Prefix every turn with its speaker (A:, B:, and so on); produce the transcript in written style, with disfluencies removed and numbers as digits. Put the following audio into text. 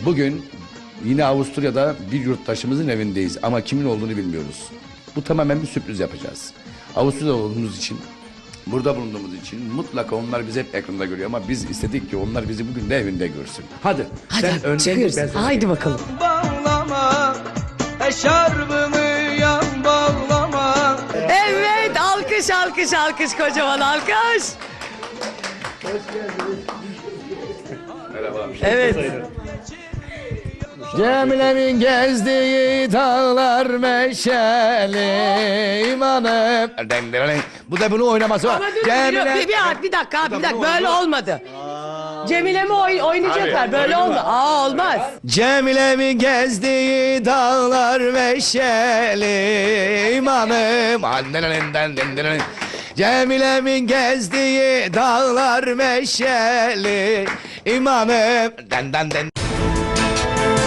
A: Bugün yine Avusturya'da bir yurttaşımızın evindeyiz ama kimin olduğunu bilmiyoruz. Bu tamamen bir sürpriz yapacağız. Avusturya'da olduğumuz için, burada bulunduğumuz için mutlaka onlar bizi hep ekranda görüyor ama biz istedik ki onlar bizi bugün de evinde görsün. Hadi.
B: Hadi
A: önden
B: çıkıyoruz.
A: git, ben sana
B: Haydi
A: geleyim.
B: bakalım.
C: Bağlama, eşarbımı yan bağlama.
B: Evet, alkış alkış alkış, kocaman alkış. Evet.
A: Cemile'nin gezdiği dağlar meşeli imanım. Bu da bunu oynaması var.
B: Ama dur, bir dakika abi, bir dakika, böyle olmadı. Cemile mi oynayacaklar? Böyle olmaz. Olmaz.
A: Cemile'min gezdiği dağlar meşeli imanım. Cemile'min gezdiği dağlar meşeli imanım.